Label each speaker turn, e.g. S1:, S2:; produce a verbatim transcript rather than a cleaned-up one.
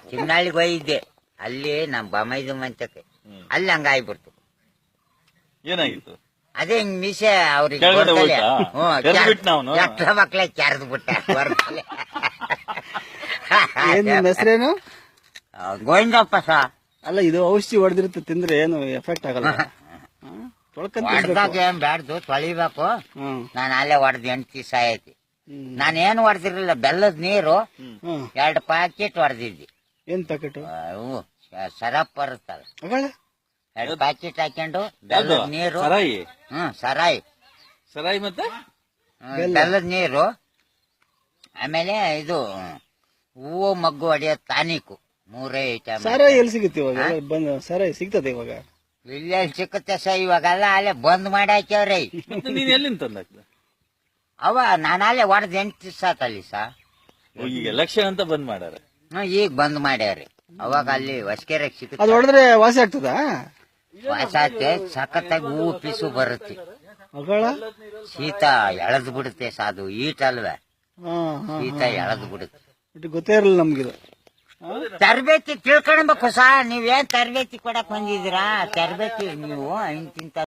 S1: ಚಿನ್ನಳ್ಳಿಗೆ ಹೋಗಿದ್ದೆ, ಅಲ್ಲಿ ನಮ್ ಬಮೈದು ಮಂಚಕ್ಕೆ ಅಲ್ಲಿ ಹಂಗಾಗ್ಬಿಡ್ತು.
S2: ಏನಾಗಿತ್ತು?
S1: ಅದೇ ಹಿಂಗ್ ಮೀಸೆ ಅವ್ರಿಗೆ
S2: ಕೆಳಗಡೆ ಹೋಯ್ತಾ? ಎರ್ದ್ ಬಿಟ್ನಾ ಅವ್ನು?
S1: ಎಷ್ಟ ಮಕ್ಳೆ ಕೆರೆದು ಬಿಟ್ಟ.
S3: ಏನ್ ನಿಮ್ ಹೆಸರೇನು?
S1: ಗೋವಿಂದಪ್ಪ ಸಾ.
S3: ಅಲ್ಲ, ಇದು ಔಷಧಿ ಹೊಡೆದಿರುತ್ತೆ, ತಿಂದ್ರೆ ಏನು ಎಫೆಕ್ಟ್ ಆಗಲ್ಲ. ತೊಳ್ಕೊಂಡ್
S1: ಹೊಡ್ದಾಗ ಏನ್ ಬ್ಯಾಡ್ದು, ತೊಳಿಬೇಕು.
S3: ಹ್ಮ್
S1: ನಾನು ಅಲ್ಲೇ ಹೊಡೆದ್ ಎಂಟು ದಿವಸ ಆಯ್ತು. ನಾನೇನು ಹೊಡೆದಿರ್ಲಿಲ್ಲ, ಬೆಲ್ಲದ ನೀರು
S3: ಹ್ಮ್
S1: ಎರಡು ಪ್ಯಾಕೆಟ್ ಹೊಡೆದಿದ್ದಿ.
S3: ಏನ್ ಪ್ಯಾಕೆಟ್?
S1: ಅವು ಸರಪ್ ಬರುತ್ತಲ್ಲ,
S3: ಅಗಳ
S1: ಎರಡು ಪ್ಯಾಕೆಟ್ ಹಾಕೊಂಡು ಬೆಲ್ಲದ ನೀರು.
S2: ಸರಾಯಿ
S1: ಹ್ಮ್ ಸರಾಯಿ
S2: ಸರಾಯಿ ಮತ್ತೆ
S1: ಹ್ಮ್, ಬೆಲ್ಲದ ನೀರು, ಆಮೇಲೆ ಇದು ಹೂವು ಮಗ್ಗು ಹೊಡೆಯೋ ತಾನಿಕು, ಮೂರೇ ಐಟಮ್.
S3: ಸಾರಾಯಿ ಎಲ್ಲಿ ಸಿಗುತ್ತೆ ಇವಾಗ? ಬಂದ್ ಸಾರಾಯಿ ಸಿಗ್ತದೆ ಇವಾಗ?
S1: ಇಲ್ಲೇ ಸಿಕ್ಕುತ್ತೆ ಸ, ಇವಾಗೆಲ್ಲ ಅಲ್ಲೇ ಬಂದ್ ಮಾಡಿ ಹಾಕ್ಯವ್ರಿ.
S2: ಮತ್ತೆ ನೀನ್ ಎಲ್ಲಿಂದ ತಂದಾಕ್ದ?
S1: ಅವ ನಾನು ಅಲ್ಲೇ ಹೊಡೆದ್ ಎಂಟು ದಿವಸ ಆತಲ್ಲಿ ಸಾ.
S2: ಈಗ ಎಲೆಕ್ಷನ್ ಅಂತ ಬಂದ್ ಮಾಡಾರ.
S1: ಹ್ಮ್, ಈಗ ಬಂದ್ ಮಾಡ್ಯಾವ್ರಿ. ಅವಾಗ ಅಲ್ಲಿ ಹೊಸಕೆರೆ
S3: ಅದು
S1: ಸಿಗುತ್ತೆ,
S3: ಹೊಡೆದ್ರೆ ವಾಸಿ ಆಗ್ತದಾ?
S1: ವಾಸಾತೆ ಸಖತ್ತಾಗಿ ಹೂವು ಪಿಸು ಬರುತ್ತೆ.
S3: ಅಗಳ
S1: ಶೀತ ಎಳೆದು ಬಿಡುತ್ತೆ ಸಾದು, ಈಟ್ ಅಲ್ವೇ,
S3: ಹಾ ಹಾ
S1: ಶೀತ ಎಳೆದು ಬಿಡುತ್ತೆ.
S3: ಇದು ಗೊತ್ತೇ ಇರಲಿಲ್ಲ ನಮ್ಗಿದು.
S1: ತರಬೇತಿ ತಿಳ್ಕೊಳ್ಬೇಕು ಸಾ. ನೀವೇನ್ ತರಬೇತಿ ಕೊಡಕ್ ಬಂದಿದ್ದೀರಾ? ತರಬೇತಿ ನೀವು ಇಂತಿಂತ